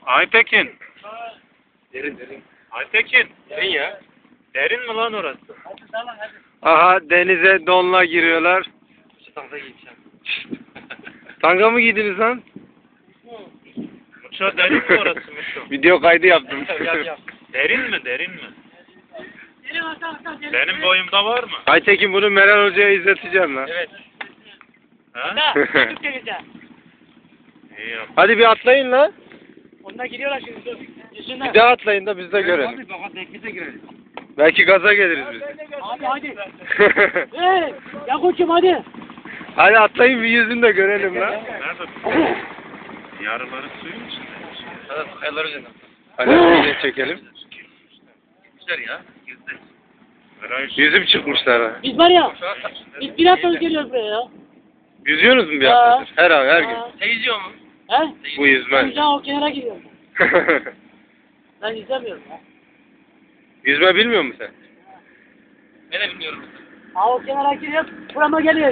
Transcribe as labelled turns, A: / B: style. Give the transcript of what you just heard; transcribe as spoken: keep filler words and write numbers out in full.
A: Aytekin.
B: Derin derin.
A: Aytekin.
B: Derin ya.
A: Derin mi lan orası?
C: Aha denize donla giriyorlar.
B: İşte tanga giyeceğim.
C: Tanga mı giydiniz lan?
A: Muço derin mi orası Muço?
C: Video kaydı yaptım.
B: Yap yap.
A: Derin mi derin mi? Benim boyumda var mı?
C: Aytekin bunu Meral Hoca'ya izleteceğim lan.
B: Evet.
A: Ha?
D: Geleceğim.
A: İyi yap.
C: Hadi bir atlayın lan.
D: Onlar gidiyorlar şimdi. Dur. Yüzünden.
C: Bir daha atlayın da biz de görelim.
B: Hadi baba tekniğe girelim.
C: Belki gaza geliriz biz de.
D: Hadi hadi. Hey, ya koçum hadi.
C: Hadi atlayın bir yüzünü de görelim lan.
A: Nerede bu? Yarıları suyun içinde.
B: Hadi kayalar üzerinden.
C: Hadi bir de çekelim.
B: Güzel ya. Güzel.
A: Meral
C: Yüzüm çıkmışlar ha.
D: Biz var ya,
B: Şu an
D: biz bir hafta geliyoruz buraya ya.
C: Yüzüyorsunuz mu bir
D: Ha.
C: haftadır? Her an her gün.
D: Ha.
B: Sen yüzüyor mu?
D: He?
C: Bu yüzmez.
D: Ben şu an o kenara gidiyorum. Ben izlemiyorum ya.
C: Yüzme bilmiyor musun sen?
B: Ben de bilmiyorum.
D: Ha o kenara giriyor, burama geliyor.